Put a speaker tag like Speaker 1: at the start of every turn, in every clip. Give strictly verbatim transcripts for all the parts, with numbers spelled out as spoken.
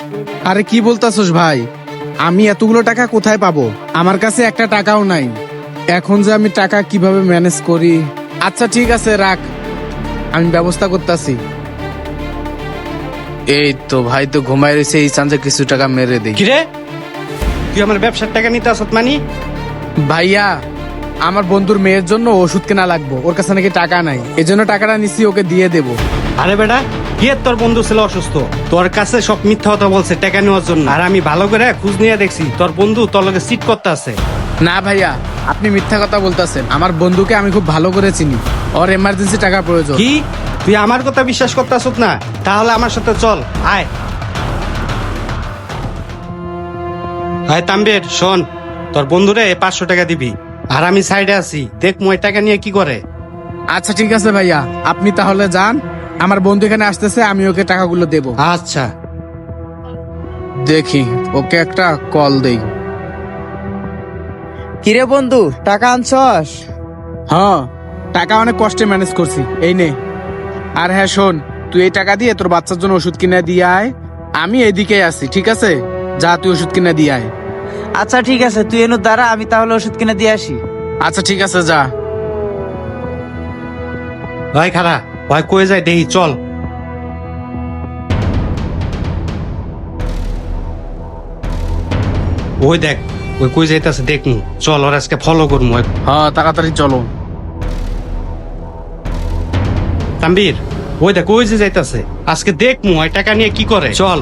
Speaker 1: আরে কি বলতাছস ভাই, আমি এতগুলো টাকা কোথায় পাবো? আমার কাছে একটা টাকাও নাই। এখন যে আমি টাকা কিভাবে ম্যানেজ করি? আচ্ছা ঠিক আছে রাখ, আমি ব্যবস্থা করতেছি। এই তো ভাই তো ঘুমাই রয়েছে, এই চান্সে কিছু টাকা মেরে দেই।
Speaker 2: কিরে, তুই আমার ব্যবসার টাকা নিতে আসত মানি?
Speaker 1: ভাইয়া, আমার বন্ধুর মেয়ের জন্য ওষুধ কেনা লাগবে, ওর কাছে নাকি টাকা নাই, এজন্য টাকাটা নিছি, ওকে দিয়ে দেবো।
Speaker 2: আরে বেটা, কি এর তোর বন্ধু ছিল অসুস্থ, তোর কাছে সব মিথ্যা কথা বলছে টাকা নেওয়ার জন্য। আর আমি ভালো করে খোঁজ নিয়ে দেখছি তোর বন্ধু তোর লগে চিট করতে আছে।
Speaker 1: না ভাইয়া, আপনি মিথ্যা কথা বলতেছেন। আমার বন্ধুকে আমি খুব ভালো করে চিনি, ওর এমার্জেন্সি টাকা প্রয়োজন।
Speaker 2: কি তুই আমার কথা বিশ্বাস করতে আসত না? তাহলে আমার সাথে চল, আয় আয় তাম্বের শোন, তোর বন্ধুরে পাঁচশো টাকা দিবি, আর আমি সাইডে আছি, দেখ মই টাকা নিয়ে কি করে।
Speaker 1: আচ্ছা ঠিক আছে ভাইয়া, আপনি তাহলে যান, আমার বন্ধু এখানে আসতেছে, আমি ওকে টাকাগুলো দেব।
Speaker 2: আচ্ছা
Speaker 1: দেখি, ওকে একটা কল দেই।
Speaker 3: কিরে বন্ধু, টাকা আনছস?
Speaker 1: হ্যাঁ, টাকা অনেক কষ্টে ম্যানেজ করছি, এই নে। আর হ্যাঁ শোন, তুই এই টাকা দিয়ে তোর বাচ্চার জন্য ওষুধ কিনে দিয়ে আয়, আমি এদিকে আছি, ঠিক আছে? যা, তুই ওষুধ কিনে দিয়ে আয়।
Speaker 3: আচ্ছা ঠিক আছে, তুই এনু দাঁড়া, আমি তাহলে ওষুধ কিনে দিয়ে আসি।
Speaker 1: আচ্ছা ঠিক আছে, যা।
Speaker 2: ভাই খারা, ভাই কয়ে যায় দেখি, চল। ওই দেখ, ওই কই যাইতাছে দেখমু, চল ওর আজকে ফলো করমু।
Speaker 1: হ্যাঁ তাড়াতাড়ি চলো।
Speaker 2: তাম্বির, ওই দেখ ওই যে যাইতাছে, আজকে দেখমু ওই টাকা নিয়ে কি করে, চল।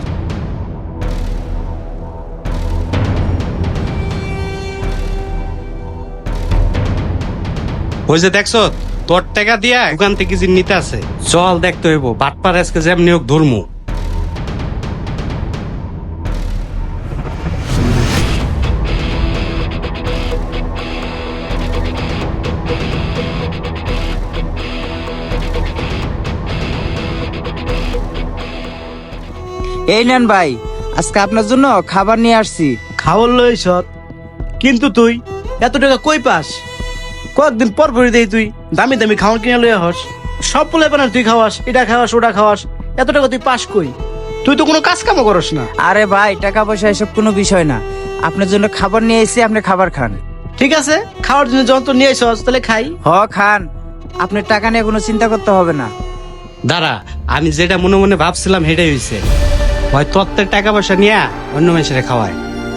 Speaker 2: ওই যে দেখছ, তোর টাকা দিয়া দোকান থেকে যে নিতে আছে, চল দেখতে হইব বাটপার আজকে যেমনি হোক ধর্মু।
Speaker 3: এই নেন ভাই, আজকে আপনার জন্য খাবার নিয়ে আসছি।
Speaker 4: খাওয়ার লই সৎ, কিন্তু তুই এত টাকা কই পাস? কয়েকদিন পর পরই দেই তুই দামি দামি খাওয়ার কিনে লই হস, সব বলে বানার তুই খাওয়াস, এটা খাওয়াস ওটা খাওয়াস, এত টাকা তুই পাস কই? তুই তো কোনো কাজ কামও করস না।
Speaker 3: আরে ভাই, টাকা পয়সা এসব কোনো বিষয় না, আপনার জন্য খাবার নিয়ে এসেছি, আপনি খাবার খান।
Speaker 4: ঠিক আছে, খাওয়ার জন্য যখন তো নিয়ে আসস তাহলে খাই।
Speaker 3: হ খান, আপনার টাকা নিয়ে কোনো চিন্তা করতে হবে না।
Speaker 2: দাঁড়া, আমি যেটা মনে মনে ভাবছিলাম সেটাই হয়েছে, হয় তত্ত্বের টাকা পয়সা নিয়ে অন্য মানুষের খাওয়ায়।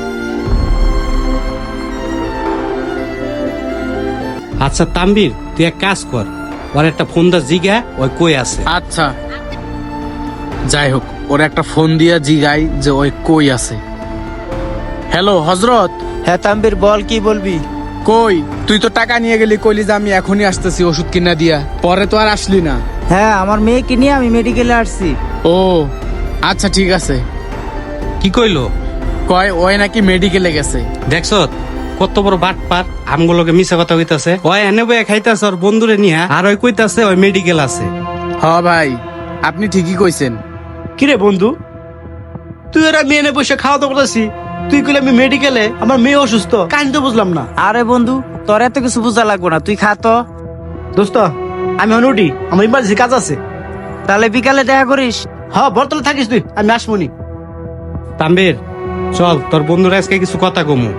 Speaker 2: আচ্ছা তাম্বির, তুই এক কাজ কর, ওর একটা ফোন দা জিগা ওই কই আছে।
Speaker 1: আচ্ছা যাই হোক, ওর একটা ফোন দিয়া জিগাই যে ওই কই আছে। হ্যালো হজরত।
Speaker 3: হ্যাঁ তাম্বির, বল কি বলবি?
Speaker 1: কই, তুই তো টাকা নিয়ে গেলি, কইলি যে আমি এখনই আসতেছি ওষুধ কিনা দিয়া, পরে তো আর আসলি না।
Speaker 3: হ্যাঁ, আমার মেয়েকে নিয়ে আমি মেডিকেলে আসছি।
Speaker 1: ও আচ্ছা ঠিক আছে।
Speaker 2: কি কইলো?
Speaker 1: কয় ওই নাকি মেডিকেলে গেছে।
Speaker 2: দেখছ কত বড় বাট পার, আমগুলোকে মিশা কথা কইতাছে। ওই এনে বয়ে খাইতাছে ওর বন্ধুরে নিয়া, আর ওই কইতাছে ওই মেডিকেল আছে।
Speaker 1: হ ভাই, আপনি ঠিকই কইছেন।
Speaker 4: কিরে বন্ধু, তুই ওরা মেয়ে এনে বসে খাওয়া দাওয়া করতেছি, তুই কইলে আমি মেডিকেলে, আমার মেয়ে অসুস্থ, কাহিনী তো বুঝলাম না।
Speaker 3: আরে বন্ধু, তোর এত কিছু বোঝা লাগবে না, তুই খা তো।
Speaker 4: দোস্ত, আমি এখন উঠি, আমার ইমার্জেন্সি কাজ আছে।
Speaker 3: তাহলে বিকালে দেখা করিস।
Speaker 4: হ্যাঁ, বর্তমানে থাকিস তুই, আমি আসমনি।
Speaker 2: তাম্বির চল, তোর বন্ধুরা আজকে কিছু কথা কমু।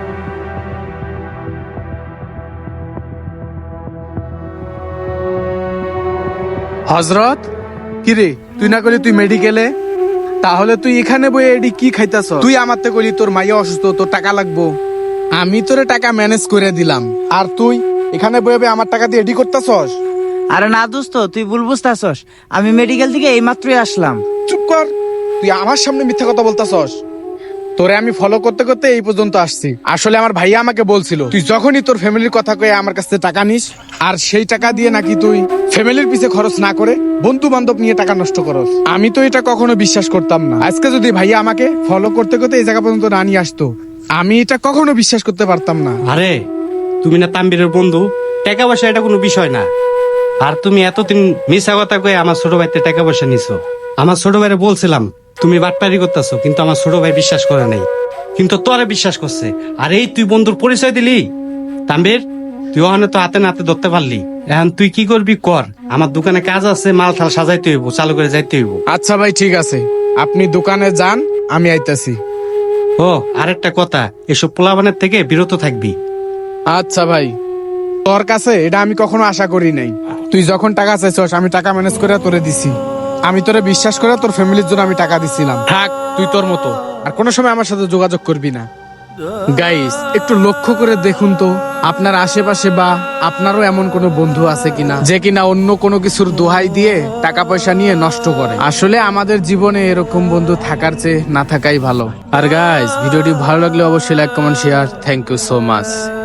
Speaker 1: হজরত, কিরে তুই না করলি তুই মেডিকেলে, তাহলে তুই এখানে বই এডি কি খাইতাছ? তুই আমার তে কইলি তোর মাইয়া অসুস্থ, তোর টাকা লাগবো, আমি তোরে টাকা ম্যানেজ করে দিলাম, আর তুই এখানে বইবে আমার টাকা দিয়ে এডি করতাছস?
Speaker 3: আরে না দোস্ত, তুই ভুল বুঝতাছস, আমি মেডিকেল থেকে এই মাত্রই আসলাম।
Speaker 1: চুপ কর, তুই আমার সামনে মিথ্যা কথা বলতাছস। তোরে আমি ফলো করতে করতে এই পর্যন্ত আসছি। আসলে আমার ভাইয়া আমাকে বলছিল তুই যখনই তোর ফ্যামিলির কথা কয়ে আমার কাছে টাকা নিস, আর সেই টাকা দিয়ে নাকি তুই ফ্যামিলির পিছে খরচ না করে বন্ধু বান্ধব নিয়ে টাকা নষ্ট করস। আমি তো এটা কখনো বিশ্বাস করতাম না। আজকে যদি ভাইয়া আমাকে ফলো করতে করতে এই জায়গা পর্যন্ত না নিয়ে আসতো, আমি এটা কখনো বিশ্বাস করতে পারতাম না।
Speaker 2: আরে তুমি না তাম্বিরের বন্ধু, টাকা পয়সা এটা কোনো বিষয় না। আর তুমি এতদিন মিশা কথা কয়ে আমার ছোট ভাইতে টাকা পয়সা নিছো। আমার ছোট ভাইরে বলছিলাম তুমি বাটপারি করতেছো, কিন্তু আমার ছোট ভাই বিশ্বাস করে নাই, কিন্তু তোরে বিশ্বাস করছে। আর এই তুই বন্ধুর পরিচয় দিলি। তাম্বির, তুই ওখানে তো হাতে নাতে ধরতে পারলি, এখন তুই কি করবি কর, আমার দোকানে কাজ আছে, মাল থাল সাজাইতে হইব, চালু করে যাইতে হইব।
Speaker 1: আচ্ছা ভাই ঠিক আছে, আপনি দোকানে যান, আমি আইতাছি।
Speaker 2: ও আরেকটা কথা, এসব পোলাবানের থেকে বিরত থাকবি।
Speaker 1: আচ্ছা ভাই, তোর কাছে এটা আমি কখনো আশা করি নাই। তুই যখন টাকা চাইছস আমি টাকা ম্যানেজ করে তোরে দিছি। আমি তোরে বিশ্বাস করে তোর ফ্যামিলির জন্য আমি টাকা দিছিলাম। থাক তুই তোর মতো, আর কোনো সময় আমার সাথে যোগাযোগ করবি না। গাইস, একটু লক্ষ্য করে দেখুন তো আপনার আশেপাশে বা আপনারও এমন কোনো বন্ধু আছে কিনা যে কিনা অন্য কোনো কিছুর দোহাই দিয়ে টাকা পয়সা নিয়ে নষ্ট করে। আসলে আমাদের জীবনে এরকম বন্ধু থাকার চেয়ে না থাকাই ভালো। আর গাইস, ভিডিওটি ভালো লাগলে অবশ্যই like comment share. Thank you so much.